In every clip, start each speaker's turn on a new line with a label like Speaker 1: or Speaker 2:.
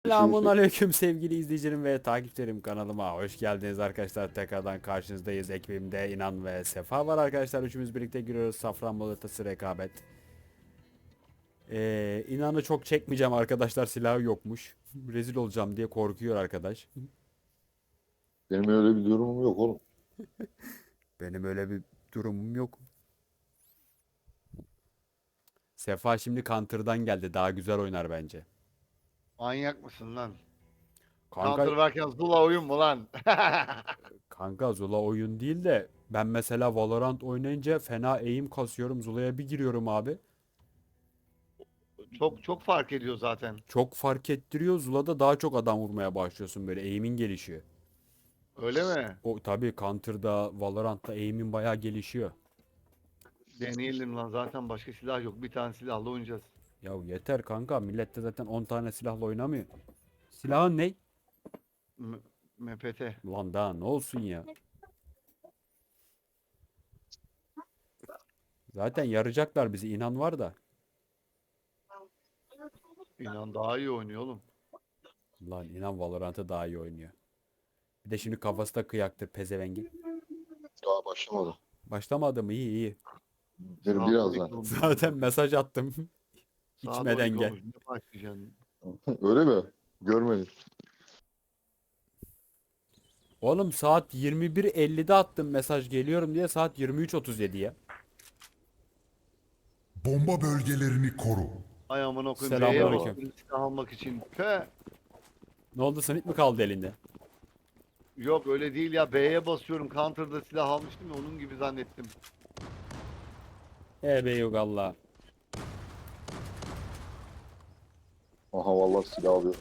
Speaker 1: Selamun aleyküm sevgili izleyicilerim ve takipçilerim, kanalıma hoş geldiniz arkadaşlar. Tekrardan karşınızdayız. Ekibimde İnan ve Sefa var arkadaşlar. Üçümüz birlikte giriyoruz. Safranbolu Atası rekabet. İnan'ı çok çekmeyeceğim arkadaşlar, silahı yokmuş. Rezil olacağım diye korkuyor arkadaş.
Speaker 2: Benim öyle bir durumum yok oğlum.
Speaker 1: Benim öyle bir durumum yok. Sefa şimdi Counter'dan geldi. Daha güzel oynar bence.
Speaker 3: Manyak mısın lan?
Speaker 1: Kanka,
Speaker 3: Counter varken Zula oyun mu lan?
Speaker 1: kanka Zula oyun değil de ben mesela Valorant oynayınca fena eğim kasıyorum. Zula'ya bir giriyorum abi.
Speaker 3: Çok fark ediyor zaten.
Speaker 1: Çok fark ettiriyor. Zula'da daha çok adam vurmaya başlıyorsun, böyle eğimin gelişiyor.
Speaker 3: Öyle mi?
Speaker 1: O tabii Counter'da, Valorant'ta eğimin bayağı gelişiyor.
Speaker 3: Deneyelim lan, zaten başka silah yok. Bir tane silahla oynayacağız.
Speaker 1: Ya yeter kanka, millet de zaten 10 tane silahla oynamıyor. Silahın ne?
Speaker 3: M- MPT.
Speaker 1: Lan daha ne olsun ya. Zaten yarayacaklar bizi, inan var da.
Speaker 3: İnan daha iyi oynuyor oğlum.
Speaker 1: Lan inan Valorant'ı daha iyi oynuyor. Bir de şimdi kafası da kıyaktır pezevengin.
Speaker 2: Daha başlamadı.
Speaker 1: Başlamadı mı? İyi iyi.
Speaker 2: Derim
Speaker 3: Saat
Speaker 2: birazdan.
Speaker 3: 12 olmuş.
Speaker 1: Zaten mesaj attım.
Speaker 3: Saat
Speaker 1: İçmeden
Speaker 3: 12
Speaker 1: gel.
Speaker 3: olmuş. Ne başlayacaksın?
Speaker 2: Öyle mi? Görmedim.
Speaker 1: Oğlum saat 21.50'de attım mesaj, geliyorum diye, saat 23.37 ya.
Speaker 4: Bomba bölgelerini koru.
Speaker 3: Ay aman koyayım. B'ye
Speaker 1: Selamünaleyküm.
Speaker 3: basıyorum silah almak için. Pe.
Speaker 1: Ne oldu, sınıf mı kaldı elinde?
Speaker 3: Yok öyle değil ya. B'ye basıyorum. Counter'da silah almıştım ya, onun gibi zannettim.
Speaker 1: Be yok Allah.
Speaker 2: Aha vallahi silah alıyor.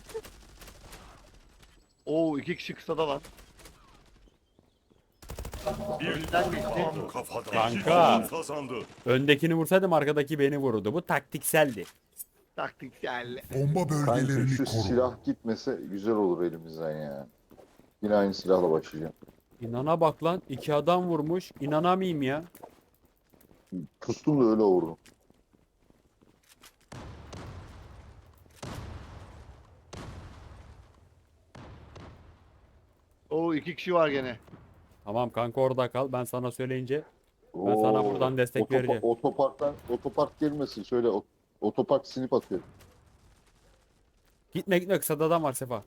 Speaker 3: Oo, iki kişi kısada var. Önünden geçti.
Speaker 5: Tam kafadan.
Speaker 1: Kanka.
Speaker 5: Kazandı.
Speaker 1: Öndekini vursaydım arkadaki beni vururdu. Bu taktikseldi.
Speaker 3: Taktiksel.
Speaker 4: Bomba
Speaker 2: Kanka
Speaker 4: bölgelerini
Speaker 2: şu
Speaker 4: koru.
Speaker 2: silah gitmese güzel olur elimizden ya. Yine aynı silahla başlayacağım.
Speaker 1: İnana bak lan. 2 adam vurmuş. İnanamayayım ya.
Speaker 2: Pustum da öyle vurdum.
Speaker 3: Oo, iki kişi var gene.
Speaker 1: Tamam kanka, orada kal. Ben sana söyleyince ben sana buradan destek vereceğim.
Speaker 2: Otopark gelmesin. Şöyle otopark sinip atıyor.
Speaker 1: Gitme gitme, kısada adam var Sefa.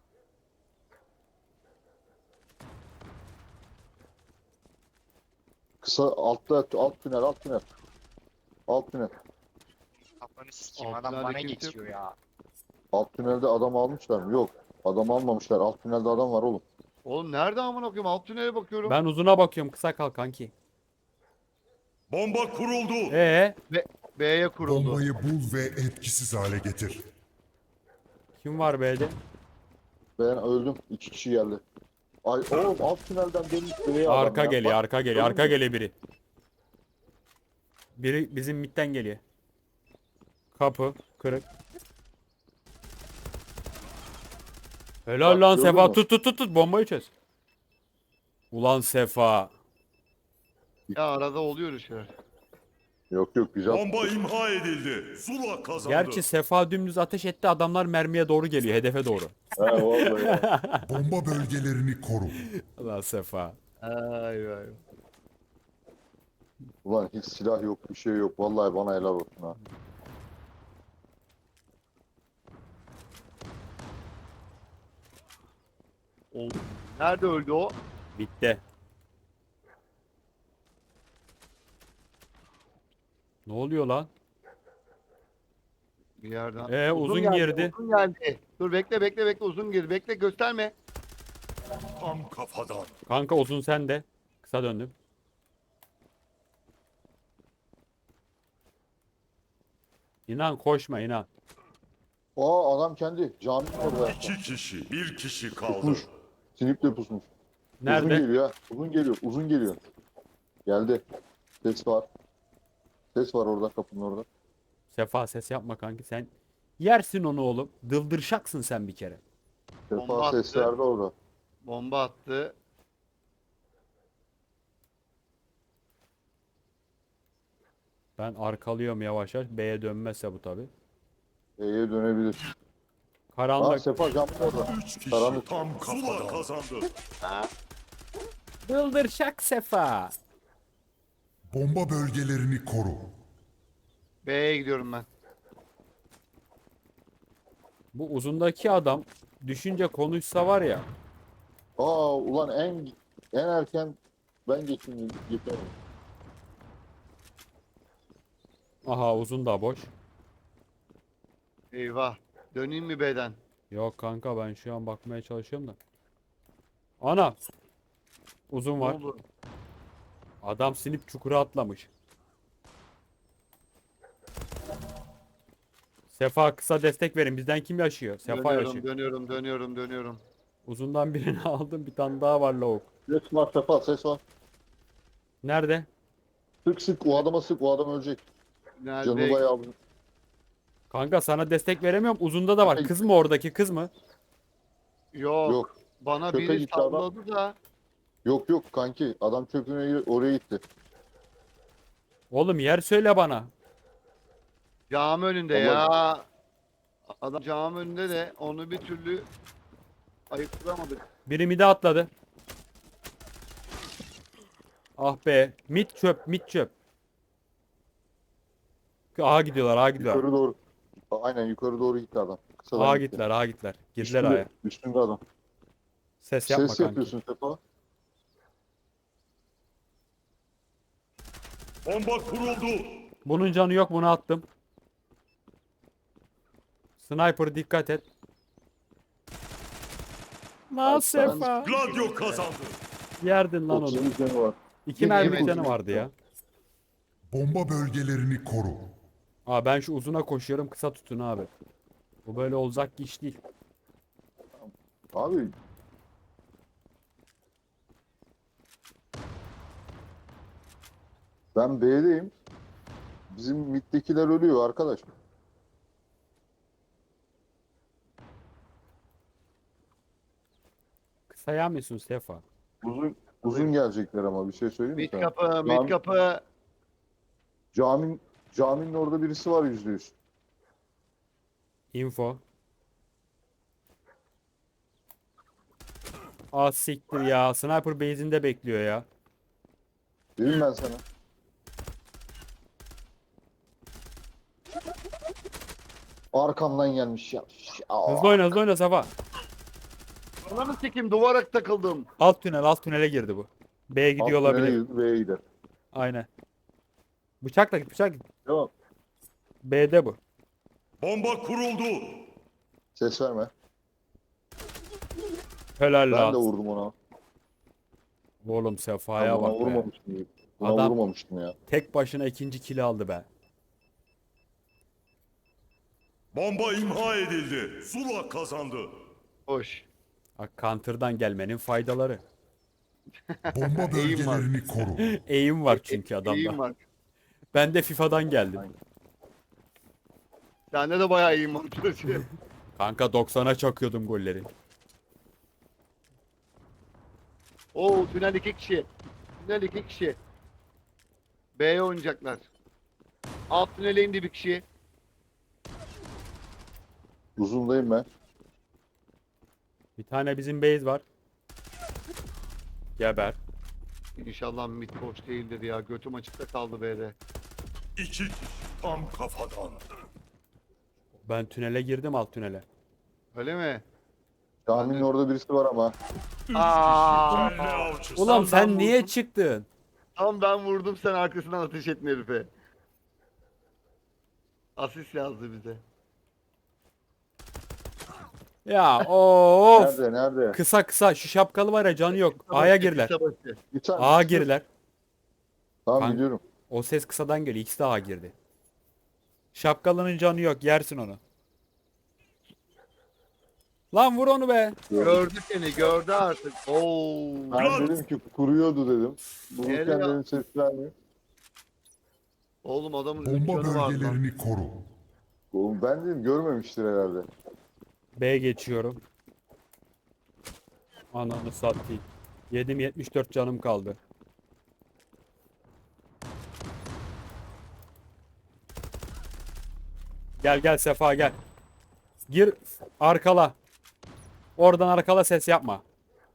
Speaker 2: Kısa altta alt tünel alt tünel. Alt tünel.
Speaker 6: Kafanı sikeyim,
Speaker 3: Altına
Speaker 6: adam bana
Speaker 3: hareket yok.
Speaker 6: geçiyor ya.
Speaker 2: Alt tünelde adam almışlar mı? Yok. Adam almamışlar. Alt tünelde adam var oğlum.
Speaker 3: Oğlum nerede amına koyayım? Alt tünele bakıyorum.
Speaker 1: Ben uzuna bakıyorum. Kısa kal kanki.
Speaker 5: Bomba kuruldu.
Speaker 3: B'ye kuruldu.
Speaker 4: Bombayı bul ve etkisiz hale getir.
Speaker 1: Kim var B'de?
Speaker 2: Ben öldüm. 2 kişi geldi. Ay oğlum alt tünelden dönmüş buraya adam
Speaker 1: Arka
Speaker 2: ya.
Speaker 1: geliyor,
Speaker 2: Bak,
Speaker 1: arka geliyor,
Speaker 2: gördün
Speaker 1: arka
Speaker 2: mü?
Speaker 1: geliyor biri. Biri bizim midden geliyor. Kapı kırık. Helal
Speaker 2: Bak,
Speaker 1: lan
Speaker 2: gördün
Speaker 1: Sefa,
Speaker 2: mü?
Speaker 1: tut bombayı çöz. Ulan Sefa.
Speaker 3: Ya arada oluyor şeyler.
Speaker 2: Yok yok güzel.
Speaker 5: Bomba imha edildi. Zula kazandı.
Speaker 1: Gerçi Sefa dümdüz ateş etti, adamlar mermiye doğru geliyor, hedefe doğru.
Speaker 2: He vallahi ya.
Speaker 4: Bomba bölgelerini koru.
Speaker 1: Ulan Sefa.
Speaker 3: Ay ay.
Speaker 2: Ulan hiç silah yok bir şey yok. Vallahi bana helal olsun ha.
Speaker 3: Oldu. Nerede öldü o?
Speaker 1: Bitti. Ne oluyor lan?
Speaker 3: Bir yerden.
Speaker 1: Uzun
Speaker 3: geldi,
Speaker 1: girdi.
Speaker 3: Uzun geldi. Dur bekle uzun girdi. Bekle gösterme.
Speaker 5: Tam kafadan.
Speaker 1: Kanka uzun sende. Kısa döndüm. İnan koşma, inan.
Speaker 2: Aa adam kendi caminin orada.
Speaker 5: İki kişi. Bir kişi kaldı.
Speaker 2: Pusmuş. Sniple pusmuş. Uzun
Speaker 1: Nerede?
Speaker 2: geliyor ha. Uzun geliyor. Uzun geliyor. Geldi. Ses var. Ses var orada kapının orada.
Speaker 1: Sefa ses yapma kanki, sen yersin onu oğlum. Dıldırşaksın sen bir kere.
Speaker 3: Bomba
Speaker 2: Sefa
Speaker 3: attı.
Speaker 2: ses verdi orada.
Speaker 3: Bomba attı.
Speaker 1: Ben arkalıyorum yavaş yavaş. B'ye dönmezse bu tabi.
Speaker 2: E'ye dönebilir. Aa
Speaker 1: Karanlık.
Speaker 2: Sefa camın orada.
Speaker 5: 3 kişi
Speaker 2: Karanlık.
Speaker 5: tam Zula kazandı.
Speaker 1: Bıldır şak Sefa.
Speaker 4: Bomba bölgelerini koru.
Speaker 3: B'ye gidiyorum ben.
Speaker 1: Bu uzundaki adam düşünce konuşsa var ya.
Speaker 2: Aa ulan en erken ben geçeyim yeter.
Speaker 1: Aha uzun da boş.
Speaker 3: Eyvah. Döneyim mi B'den?
Speaker 1: Yok kanka ben şu an bakmaya çalışıyorum da. Ana. Uzun
Speaker 3: Ne
Speaker 1: var.
Speaker 3: oldu?
Speaker 1: Adam sinip çukura atlamış. Sefa kısa destek verin. Bizden kim yaşıyor? Sefa yaşıyor.
Speaker 3: Dönüyorum.
Speaker 1: Uzundan birini aldım. Bir tane daha var lavuk.
Speaker 2: Ses var Sefa ses var.
Speaker 1: Nerede?
Speaker 2: Sık sık o adama sık o adam ölecek. Canı
Speaker 3: Nerede?
Speaker 2: bayağı
Speaker 1: Kanka sana destek veremiyorum. Uzunda da var. Kız mı oradaki kız mı?
Speaker 3: Yok.
Speaker 2: yok.
Speaker 3: Bana
Speaker 2: Köpe
Speaker 3: biri
Speaker 2: gitti adam.
Speaker 3: salladı da.
Speaker 2: Yok kanki adam çöpüne oraya gitti.
Speaker 1: Oğlum yer söyle bana.
Speaker 3: Cami önünde ya. Adam cami önünde de onu bir türlü ayıktıramadık.
Speaker 1: Biri mide atladı. Ah be. Mit çöp, mit çöp. Aha gidiyorlar, aha gidiyorlar.
Speaker 2: Yukarı doğru. Aynen yukarı doğru gitti adam. Kısadan
Speaker 1: Aha
Speaker 2: gitti.
Speaker 1: gittiler, aha gittiler. Girdiler
Speaker 2: Üstünde,
Speaker 1: aya.
Speaker 2: üstünde adam.
Speaker 1: Ses yapma
Speaker 2: Ses
Speaker 1: kanki.
Speaker 2: yapıyorsun Sefa.
Speaker 5: Bomba kuruldu.
Speaker 1: Bunun canı yok, bunu attım. Sniper dikkat et. Lan Sefa.
Speaker 5: Gladio kazandı.
Speaker 1: Yerdin lan onu.
Speaker 2: 30 canı var.
Speaker 1: İki mermi
Speaker 3: yemedim.
Speaker 1: canı vardı ya.
Speaker 4: Bomba bölgelerini koru.
Speaker 1: Aa ben şu uzuna koşuyorum, kısa tutun abi. Bu böyle olacak iş değil.
Speaker 2: Abi ben B'deyim. Bizim middekiler ölüyor arkadaş.
Speaker 1: Kısa yağmıyorsun Sefa.
Speaker 2: Uzun gelecekler ama bir şey söyleyeyim mi
Speaker 3: Mid
Speaker 2: sana?
Speaker 3: kapı, mid kapı.
Speaker 2: Caminin orada birisi var %100.
Speaker 1: Info. Aa siktir ya. Sniper base'inde bekliyor ya.
Speaker 2: Dedim ben sana. Arkamdan gelmiş ya.
Speaker 1: Hızlı oyna, hızlı oyna Sefa.
Speaker 3: Ananı sikeyim duvara takıldım.
Speaker 1: Alt tünel, alt tünele girdi bu. B'ye gidiyor
Speaker 2: Alt tünele
Speaker 1: olabilir.
Speaker 2: girdi, B'ye gider.
Speaker 1: Aynen. Bıçakla git, bıçak git.
Speaker 2: Tamam.
Speaker 1: B'de bu.
Speaker 5: Bomba kuruldu.
Speaker 2: Ses verme.
Speaker 1: Helal
Speaker 2: Ben de
Speaker 1: lan.
Speaker 2: vurdum ona.
Speaker 1: Oğlum Sefa'ya
Speaker 2: Ona
Speaker 1: bak be.
Speaker 2: vurmamıştım. Buna
Speaker 1: Adam-
Speaker 2: vurmamıştım ya.
Speaker 1: Tek başına ikinci kili aldı be.
Speaker 5: Bomba imha edildi. Zula kazandı.
Speaker 3: Hoş.
Speaker 1: Bak counter'dan gelmenin faydaları.
Speaker 4: Bomba
Speaker 3: Eğim var.
Speaker 4: bölgelerini koru.
Speaker 1: Eğim var çünkü adamda.
Speaker 3: İyiyim var.
Speaker 1: Ben de FIFA'dan geldim.
Speaker 3: Sende de bayağı iyiyim var çocuğum.
Speaker 1: Kanka 90'a çakıyordum golleri.
Speaker 3: Oo tünel 2 kişi. Tünel 2 kişi. B'ye oynayacaklar. Alt tünele indi bir kişi.
Speaker 2: Uzundayım ben.
Speaker 1: Bir tane bizim base var. Geber.
Speaker 3: İnşallah mid boş değildir ya. Götüm açıkta kaldı B'de.
Speaker 5: 2 kişi tam kafadan.
Speaker 1: Ben tünele girdim, alt tünele.
Speaker 3: Öyle mi?
Speaker 2: Caminin orada birisi var ama.
Speaker 5: 3 kişi
Speaker 3: Aa!
Speaker 5: kelle avcısı.
Speaker 1: Ulan
Speaker 3: ben
Speaker 1: sen niye
Speaker 3: vurdum.
Speaker 1: çıktın?
Speaker 3: Tam ben vurdum sen arkasından ateş etme herife. Asist yazdı bize.
Speaker 1: Ya of.
Speaker 2: Nerede?
Speaker 1: Kısa kısa şu şapkalı var ya, canı yok. A'ya girler.
Speaker 3: Kısa başı.
Speaker 2: Bir tane.
Speaker 1: A'ya girler.
Speaker 2: Tamam
Speaker 1: Kanka.
Speaker 2: gidiyorum.
Speaker 1: O ses kısadan geliyor. İkisi de A'ya girdi. Şapkalının canı yok. Yersin onu. Lan vur onu be.
Speaker 3: Gördü seni gördü artık. Oo.
Speaker 2: Ben dedim ki kuruyordu dedim. Vururken
Speaker 3: Geliyor.
Speaker 2: dedim ses vermiyor.
Speaker 3: Oğlum adamın 3
Speaker 4: Bomba
Speaker 3: canı var lan.
Speaker 4: bölgelerini koru.
Speaker 2: Oğlum ben dedim görmemiştir herhalde.
Speaker 1: B geçiyorum. Ananı satayım. 74 canım kaldı. Gel gel Sefa gel. Gir arkala. Oradan arkala, ses yapma.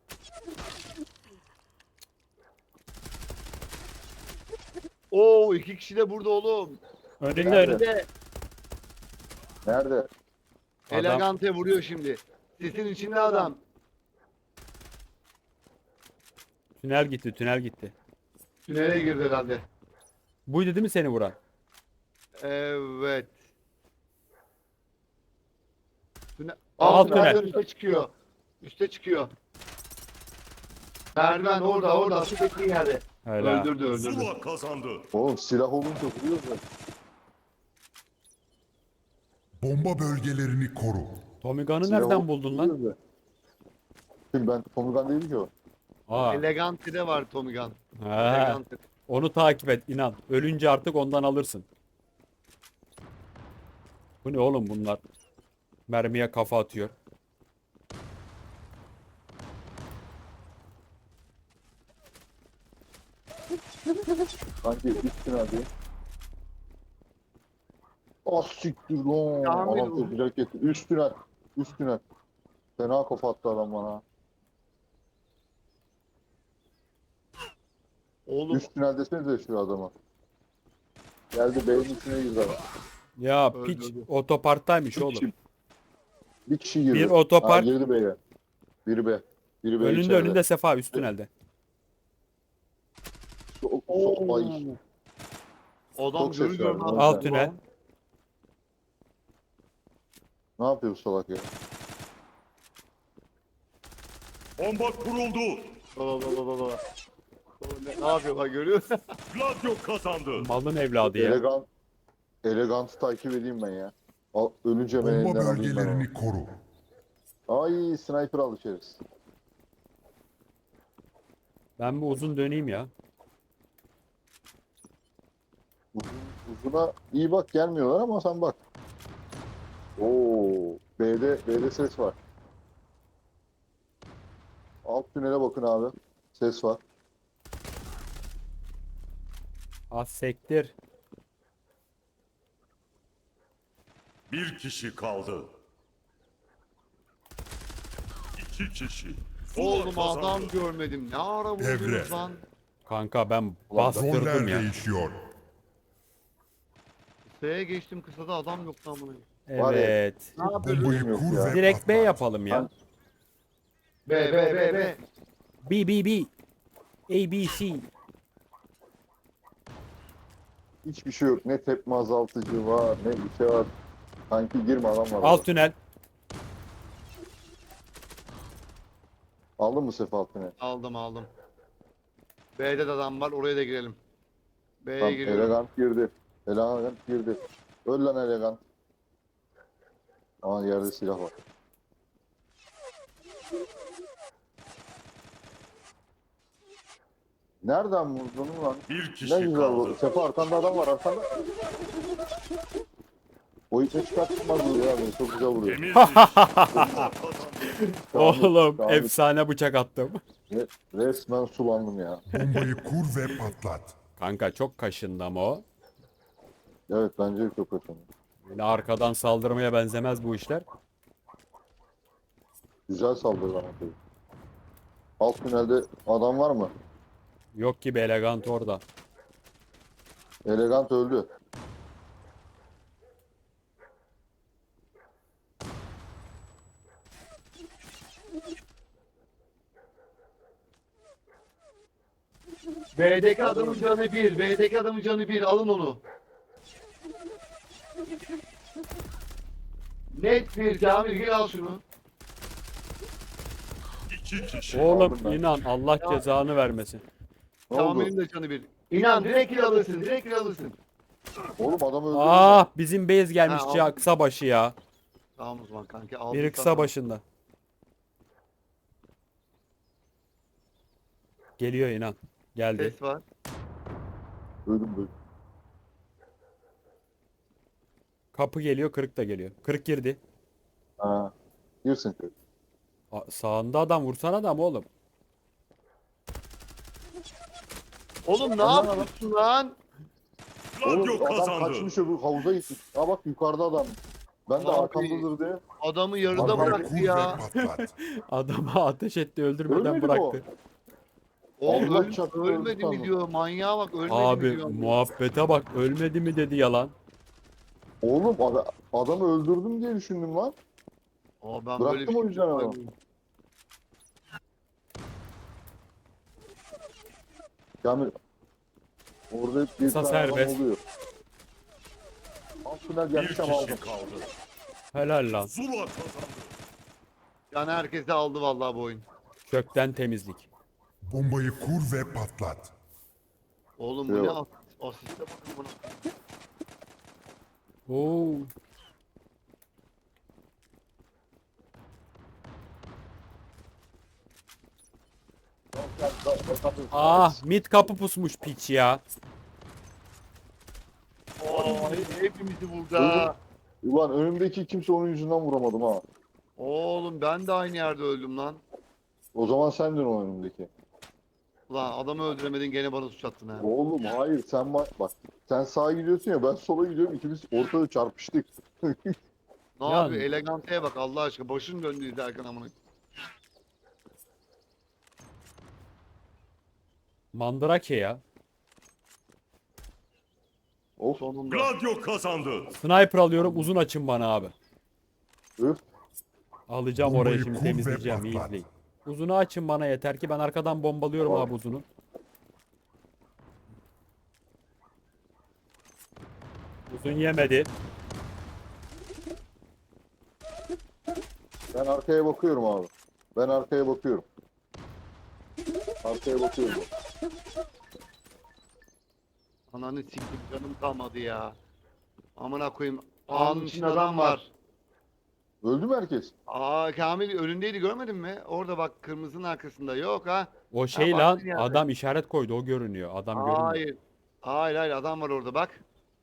Speaker 3: Oo, iki kişi de burada oğlum.
Speaker 1: Önünde
Speaker 2: Nerede?
Speaker 1: önünde.
Speaker 3: Önünde.
Speaker 2: Nerede?
Speaker 3: Elegante vuruyor şimdi. Sisin içinde adam.
Speaker 1: Tünel gitti, tünel gitti.
Speaker 3: Tünele girdi herhalde.
Speaker 1: Buydu değil mi seni vuran?
Speaker 3: Evet. Tünel.
Speaker 1: Alt tünel.
Speaker 3: Üste çıkıyor. Üste çıkıyor. Merdiven orada. Su bekliyor yerde.
Speaker 1: Öyle.
Speaker 3: Öldürdü.
Speaker 5: Zula kazandı.
Speaker 2: Oğlum silah olunca vuruyoruz ya.
Speaker 4: Bomba bölgelerini koru.
Speaker 1: Tommy Gun'ı
Speaker 2: Silah
Speaker 1: nereden
Speaker 2: olup
Speaker 1: buldun lan?
Speaker 2: vuruyoruz ya. Şimdi ben Tommy Gun değilim ki o.
Speaker 1: Aa.
Speaker 3: Elegante'de var Tommy Gun.
Speaker 1: Ha.
Speaker 3: Elegante.
Speaker 1: Onu takip et, inan. Ölünce artık ondan alırsın. Bu ne oğlum bunlar? Mermiye kafa atıyor.
Speaker 2: Sanki üstüne hadi. Ah siktir lan.
Speaker 3: Kamil
Speaker 2: Adam
Speaker 3: bu.
Speaker 2: tepkiler getir. Üstüne. Üstüne. Fena kafa attı adam bana.
Speaker 3: Oğlum
Speaker 2: Üstüne desenize şu adama. Geldi beyin içine girdi adam.
Speaker 1: Ya
Speaker 3: Öldürdü.
Speaker 1: piç otoparktaymış
Speaker 2: Bir
Speaker 1: oğlum.
Speaker 2: kişi, bir kişi girdi.
Speaker 1: Bir otopark.
Speaker 2: Ha, girdi B'ye. Biri B. Biri B
Speaker 1: Önünde
Speaker 2: içeride.
Speaker 1: önünde Sefa, üst tünelde.
Speaker 2: Ay.
Speaker 3: adam
Speaker 2: Çok ses
Speaker 3: görüyor
Speaker 2: verdi.
Speaker 3: lan.
Speaker 1: Alt tünel.
Speaker 2: Ne yapıyor bu salak ya?
Speaker 5: Bomba kuruldu.
Speaker 3: Baba. Ne yapıyor bak görüyor musun?
Speaker 5: Gladio kazandı.
Speaker 1: Malın evladı ya.
Speaker 2: Elegant takip edeyim ben ya. Ölünce ben
Speaker 4: Bomba
Speaker 2: elinden alayım ben
Speaker 4: bölgelerini koru.
Speaker 2: onu. Ay sniper alışırız.
Speaker 1: Ben bir uzun döneyim ya.
Speaker 2: Uzuna iyi bak gelmiyorlar ama sen bak. Oo, B'de ses var. Alt tünele bakın abi. Ses var.
Speaker 1: Az sektir.
Speaker 5: Bir kişi kaldı. İki kişi. Zula
Speaker 3: Oğlum
Speaker 5: kazandı.
Speaker 3: adam görmedim. Ne ara
Speaker 4: Devre.
Speaker 3: buldunuz lan?
Speaker 1: Kanka ben
Speaker 2: Ulan
Speaker 1: bastırdım
Speaker 4: Roller
Speaker 1: ya.
Speaker 4: değişiyor.
Speaker 3: Kısaya geçtim kısada adam yok lan bunu.
Speaker 2: Var ya.
Speaker 1: Evet.
Speaker 3: Ne yapıyorsun?
Speaker 4: Bombayı
Speaker 2: Yok
Speaker 4: kur
Speaker 2: ya.
Speaker 4: ve
Speaker 1: Direkt B
Speaker 4: patlat.
Speaker 1: yapalım ya.
Speaker 3: B.
Speaker 1: B. A, B, C.
Speaker 2: Hiçbir şey yok. Ne tepme azaltıcı var, ne bir şey var. Sanki girme adam var.
Speaker 1: Alt tünel.
Speaker 2: Aldın mı Sefa alt tünel?
Speaker 3: Aldım. B'de de adam var oraya da girelim. B'ye
Speaker 2: Tamam,
Speaker 3: giriyorum.
Speaker 2: elegant girdi. Elegant girdi. Öl lan elegant. Aa yerde silah var. Nereden vurdun lan?
Speaker 5: Bir
Speaker 2: Ne
Speaker 5: kişi
Speaker 2: güzel
Speaker 5: kaldı.
Speaker 2: vurdu. Sefa arkanda adam var arkanda. O ipe çıkartmaz vuruyor ya beni. Çok güzel vuruyor.
Speaker 5: Temiz iş. Zula kazandı.
Speaker 1: Oğlum
Speaker 2: Kamil.
Speaker 1: efsane bıçak attım.
Speaker 2: Resmen sulandım ya.
Speaker 4: Bombayı kur ve patlat.
Speaker 1: Kanka çok kaşındı ama o.
Speaker 2: Evet bence de çok kötü.
Speaker 1: Yine arkadan saldırmaya benzemez bu işler.
Speaker 2: Güzel saldırı lan. Alt tünelde adam var mı?
Speaker 1: Yok gibi elegant orada.
Speaker 2: Elegant öldü.
Speaker 3: B'deki adamın canı 1. B'deki adamın canı 1. Alın onu. Net bir Kamil gel al şunu.
Speaker 5: İki kişi.
Speaker 1: Oğlum
Speaker 2: Aldım ben.
Speaker 1: inan Allah
Speaker 3: Ya.
Speaker 1: cezanı vermesin.
Speaker 2: Ne oldu?
Speaker 3: Kamil'in de canı 1. İnan direkt kill alırsın. Direkt kill alırsın.
Speaker 2: Oğlum adam öldü.
Speaker 1: Ah bizim base gelmiş
Speaker 3: Ha,
Speaker 1: ya
Speaker 3: aldım.
Speaker 1: kısa başı ya.
Speaker 3: Tamam o zaman kanki aldım.
Speaker 1: Biri kısa
Speaker 3: sana.
Speaker 1: başında. Geliyor inan. Geldi.
Speaker 3: Ses var.
Speaker 2: Öldüm.
Speaker 1: Kapı geliyor, kırık da geliyor. Kırık girdi.
Speaker 2: Ha. Girsin köy.
Speaker 1: Sağında adam, vursana adam oğlum.
Speaker 3: Oğlum ne yapıyorsun lan?
Speaker 5: Gladio
Speaker 2: Oğlum adam
Speaker 5: kazandı.
Speaker 2: kaçmış öbür havuza gitmiş. Ha bak yukarıda adam. Ben de
Speaker 3: Abi.
Speaker 2: arkamdadır diye.
Speaker 3: Adamı yarıda
Speaker 2: Abi,
Speaker 4: Bombayı
Speaker 3: bıraktı
Speaker 4: kur
Speaker 3: ya.
Speaker 4: ve patlat.
Speaker 1: Adama ateş etti öldürmeden
Speaker 2: Ölmedi mi o?
Speaker 1: bıraktı.
Speaker 3: Oğlum
Speaker 2: Allah çarptı, öldü
Speaker 3: ölmedi mi
Speaker 2: sandım.
Speaker 3: diyor. Manyağa bak ölmedi mi
Speaker 1: Abi
Speaker 3: diyor.
Speaker 1: muhabbete bak, ölmedi mi dedi yalan.
Speaker 2: Oğlum adamı öldürdüm diye düşündüm lan.
Speaker 3: Aa, ben
Speaker 2: Bıraktım
Speaker 3: böyle bir
Speaker 2: o
Speaker 3: şey
Speaker 2: yüzden adamı.
Speaker 3: yapmadım.
Speaker 2: Yani orada hep bir
Speaker 1: Kısa
Speaker 2: tane adam
Speaker 1: serbest.
Speaker 2: oluyor. Alt tünel
Speaker 5: Bir
Speaker 2: gelmiş ama aldım.
Speaker 5: kişi kaldı.
Speaker 1: Helal lan.
Speaker 5: Zula kazandı.
Speaker 3: Yani herkese aldı vallahi bu oyun.
Speaker 1: Kökten temizlik.
Speaker 4: Bombayı kur ve patlat.
Speaker 3: Oğlum bu ne
Speaker 2: Yok.
Speaker 3: asiste bakın buna.
Speaker 1: Oo. Ah, mid kapı pusmuş piç ya.
Speaker 3: Aa, hepimizi vurdu ha.
Speaker 2: Ulan önümdeki kimse onun yüzünden vuramadım ha.
Speaker 3: Oğlum ben de aynı yerde öldüm lan.
Speaker 2: O zaman sendin o önümdeki.
Speaker 3: Ulan adamı öldüremedin gene bana suç attın ha.
Speaker 2: Oğlum hayır sen bak sen sağa gidiyorsun ya ben sola gidiyorum ikimiz ortada çarpıştık.
Speaker 3: Ne
Speaker 1: Yani.
Speaker 3: yapıyor? Eleganteye bak Allah aşkına. Başın döndü izlerken amına.
Speaker 1: Mandrake ya.
Speaker 2: Of
Speaker 3: Sonunda.
Speaker 5: Gladio kazandı.
Speaker 1: Sniper alıyorum, uzun açın bana abi.
Speaker 2: öf.
Speaker 1: Alacağım
Speaker 4: Bombayı
Speaker 1: orayı şimdi,
Speaker 4: kur ve
Speaker 1: temizleyeceğim, iyi
Speaker 4: patlat.
Speaker 1: izleyin. Uzunu açın bana yeter ki, ben arkadan bombalıyorum
Speaker 2: Tamam.
Speaker 1: abi uzunu. Uzun yemedi.
Speaker 2: Ben arkaya bakıyorum abi. Ben arkaya bakıyorum. Arkaya bakıyorum.
Speaker 3: Ananı siktim canım kalmadı ya. Amına koyayım. Ağanın içinde adam var.
Speaker 2: Öldü mü herkes?
Speaker 3: Aa Kamil önündeydi görmedin mi? Orada bak kırmızının arkasında yok ha.
Speaker 1: O şey
Speaker 3: Ha,
Speaker 1: lan,
Speaker 3: baktın yani.
Speaker 1: adam işaret koydu, o görünüyor. Adam görünmüyor.
Speaker 3: Hayır. Hayır adam var orada bak.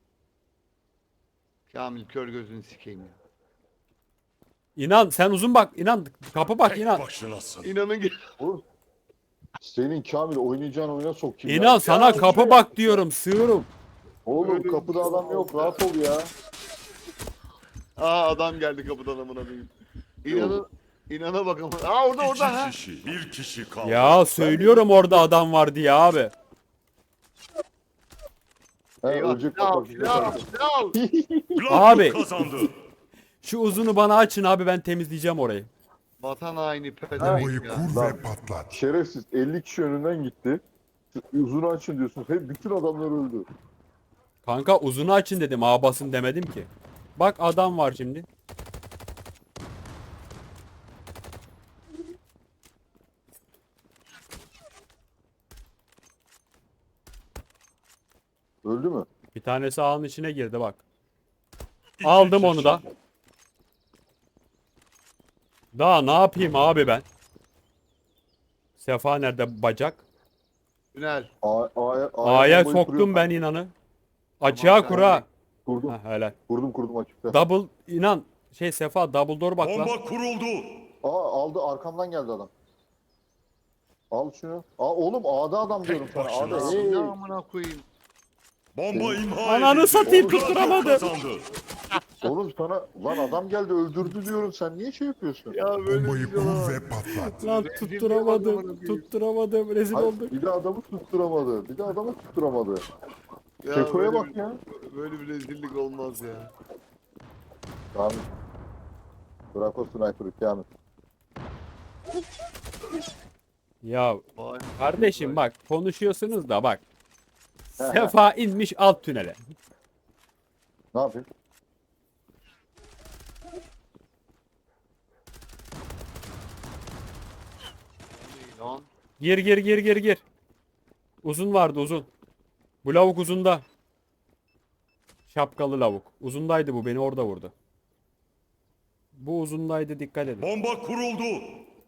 Speaker 3: Kamil kör gözünü sikeyim ya.
Speaker 1: İnan sen uzun bak, inan kapı bak,
Speaker 5: Tek
Speaker 1: inan.
Speaker 5: başınasın.
Speaker 3: İnanın ki.
Speaker 2: Oğlum. Senin Kamil oynayacağın oyuna sokayım
Speaker 1: İnan
Speaker 2: ya.
Speaker 1: sana kapı bak diyorum, sığırım.
Speaker 2: Oğlum kapıda adam yok rahat ol ya.
Speaker 3: Aa adam geldi kapıdan amına koyayım. İnana bak ama. Aa orada ha.
Speaker 5: İki kişi, bir kişi kaldı.
Speaker 1: Ya söylüyorum orada adam var diye abi.
Speaker 2: He
Speaker 3: Eyvah
Speaker 2: ölecek
Speaker 3: silah al
Speaker 2: bak.
Speaker 3: silah al silah al.
Speaker 5: Gladio
Speaker 1: Abi.
Speaker 5: kazandı.
Speaker 1: Şu uzunu bana açın abi, ben temizleyeceğim orayı.
Speaker 3: Vatan haini
Speaker 4: Bombayı
Speaker 3: pezevenk ya.
Speaker 4: kur
Speaker 2: Lan.
Speaker 4: ve patlat.
Speaker 2: Şerefsiz 50 kişi önünden gitti. Uzun açın diyorsun. Hep bütün adamlar öldü.
Speaker 1: Kanka uzunu açın dedim, ağa basın demedim ki. Bak adam var şimdi.
Speaker 2: Öldü mü?
Speaker 1: Bir tanesi ağın içine girdi bak.
Speaker 5: İki
Speaker 1: Aldım
Speaker 5: kişi.
Speaker 1: onu da. Daha ne yapayım abi ben? Sefa nerede bacak?
Speaker 3: Tünel.
Speaker 1: A'ya
Speaker 2: bombayı
Speaker 1: soktum ben inanı. Açığa
Speaker 3: Tamam,
Speaker 1: kura.
Speaker 2: Kurdum.
Speaker 1: Ha, helal.
Speaker 2: Kurdum açıkta.
Speaker 1: Double inan. Şey Sefa double door bak lan.
Speaker 5: Bomba kuruldu.
Speaker 2: Aldı arkamdan geldi adam. Al şunu. Oğlum A'da adam diyorum sana.
Speaker 5: başına.
Speaker 2: A'da.
Speaker 3: Ne amına koyayım.
Speaker 5: Bomba imha
Speaker 1: Ananı
Speaker 5: edildi.
Speaker 1: satayım,
Speaker 5: Gladio
Speaker 1: tutturamadım.
Speaker 5: kazandı.
Speaker 2: Oğlum sana lan adam geldi öldürdü diyorum. Sen niye şey yapıyorsun?
Speaker 3: Ya böyle
Speaker 4: Bombayı
Speaker 3: bir şey
Speaker 4: kur
Speaker 3: olamaz.
Speaker 4: ve patlat.
Speaker 1: Lan
Speaker 3: Rezil bir
Speaker 1: tutturamadım.
Speaker 3: adamın
Speaker 1: Tutturamadım. Rezil
Speaker 2: Hayır,
Speaker 1: olduk.
Speaker 2: bir de adamı tutturamadı. Bir de adamı tutturamadı.
Speaker 3: Ya
Speaker 2: Keko'ya
Speaker 3: böyle
Speaker 2: bak
Speaker 3: bir-
Speaker 2: ya.
Speaker 3: Böyle bir rezillik olmaz ya.
Speaker 2: Kamil. Bırak o sniper'ı Kamil.
Speaker 1: Ya
Speaker 3: Vay.
Speaker 1: kardeşim bak, konuşuyorsunuz da bak.
Speaker 2: He he.
Speaker 1: Sefa inmiş alt tünele.
Speaker 2: Ne yapayım?
Speaker 3: Lan.
Speaker 1: Gir gir gir gir gir. Uzun vardı uzun. Bu lavuk uzunda. Şapkalı lavuk. Uzundaydı bu, beni orada vurdu. Bu uzundaydı, dikkat edin.
Speaker 5: Bomba kuruldu.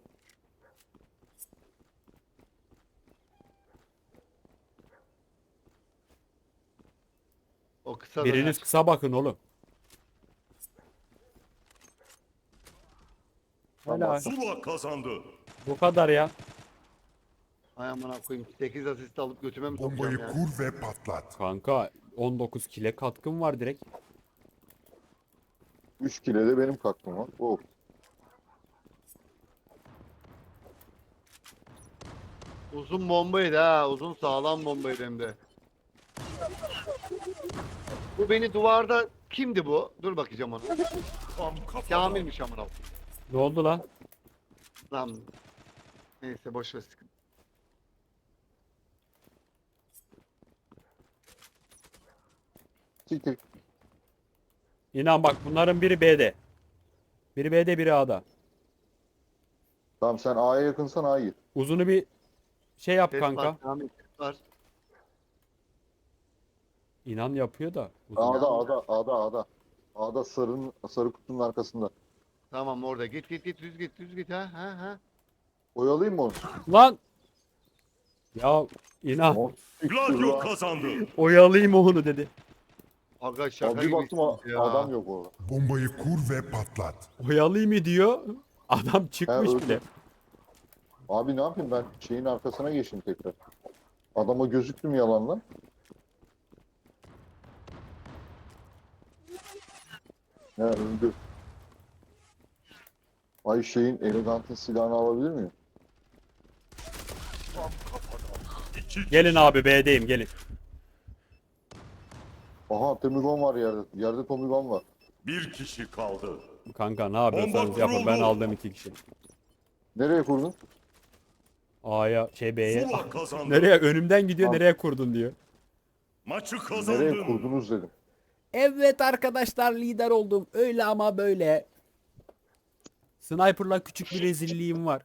Speaker 3: O kısa
Speaker 1: Biriniz
Speaker 3: döner.
Speaker 1: kısa bakın oğlum.
Speaker 2: Tamam.
Speaker 1: Helal.
Speaker 5: Zula kazandı.
Speaker 1: Bu kadar ya.
Speaker 3: Ay amına koyayım. 8 asist alıp götüme mi
Speaker 4: Bombayı
Speaker 3: sokacağım ya?
Speaker 4: kur ve patlat.
Speaker 1: Kanka 19 kile katkım var direkt.
Speaker 2: 3 kile de benim kalktım var. Oh.
Speaker 3: Uzun bombaydı ha. Uzun sağlam bombaydı hem de. Bu beni duvarda kimdi bu? Dur bakacağım ona.
Speaker 5: Tam kafadan.
Speaker 3: Kamilmiş amına.
Speaker 1: Ne oldu lan?
Speaker 3: Lan. Neyse boş ver sıkıntı.
Speaker 2: Siktir.
Speaker 1: İnan bak bunların biri B'de. Biri B'de biri A'da.
Speaker 2: Tamam sen A'ya yakınsan A'ya gir.
Speaker 1: Uzunu bir şey yap
Speaker 3: Ses
Speaker 1: kanka.
Speaker 3: var, Kamil ses var.
Speaker 1: İnan yapıyor da. Uzun.
Speaker 2: A'da. A'da sarı kutunun arkasında.
Speaker 3: Tamam orada. Git düz git ha.
Speaker 2: Oyalayayım mı onu?
Speaker 1: Lan! Ya inan
Speaker 2: O siktir
Speaker 5: Gladio
Speaker 2: lan.
Speaker 5: kazandı.
Speaker 1: oyalayayım onu dedi.
Speaker 3: Aga şaka
Speaker 2: Abi bir
Speaker 3: gibi
Speaker 2: baktım
Speaker 3: ya.
Speaker 2: adam yok orada.
Speaker 4: Bombayı kur ve patlat.
Speaker 1: Oyalayayım diyor. Adam
Speaker 2: He,
Speaker 1: çıkmış
Speaker 2: öldü.
Speaker 1: bile.
Speaker 2: Abi ne yapayım ben şeyin arkasına geçtim tekrar. Adama gözüktüm yalanla. He öldü. Ay şeyin elegantın silahını alabilir miyim?
Speaker 5: İki
Speaker 1: Gelin abi B'deyim gelin.
Speaker 2: Aha Tomigon var yerde. Yerde Tomigon var.
Speaker 5: Bir kişi kaldı.
Speaker 1: Kanka ne yapıyorsanız
Speaker 5: Bomba
Speaker 1: yapın. Ben
Speaker 5: kuruldu.
Speaker 1: aldım 2 kişi.
Speaker 2: Nereye kurdun?
Speaker 1: A'ya B'ye.
Speaker 5: Zula kazandı.
Speaker 1: Nereye önümden gidiyor
Speaker 2: Al.
Speaker 1: nereye kurdun diyor.
Speaker 5: Maçı
Speaker 2: Nereye
Speaker 5: kazandın.
Speaker 2: kurdunuz dedim.
Speaker 1: Evet arkadaşlar lider oldum. Öyle ama böyle. Sniper'la küçük bir rezilliğim var.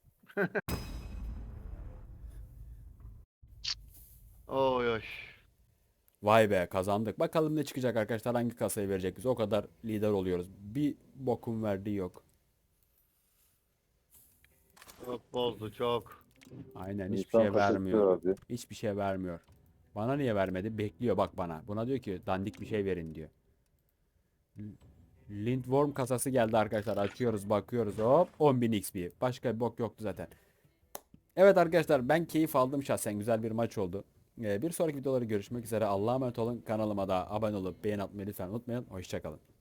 Speaker 3: Oy oy.
Speaker 1: Vay be kazandık. Bakalım ne çıkacak arkadaşlar hangi kasayı verecek bize. O kadar lider oluyoruz. Bir bokum verdiği yok.
Speaker 3: Çok bozdu çok.
Speaker 1: Aynen hiçbir
Speaker 2: İnsan
Speaker 1: şey
Speaker 2: kaşık
Speaker 1: vermiyor.
Speaker 2: abi.
Speaker 1: Hiçbir şey vermiyor. Bana niye vermedi? Bekliyor bak bana. Buna diyor ki dandik bir şey verin diyor. Lindworm kasası geldi arkadaşlar. Açıyoruz bakıyoruz hop 10.000 XP. Başka bir bok yoktu zaten. Evet arkadaşlar ben keyif aldım şahsen. Güzel bir maç oldu. Bir sonraki videoları görüşmek üzere. Allah'a emanet olun. Kanalıma da abone olup beğen atmayı lütfen unutmayın. Hoşçakalın.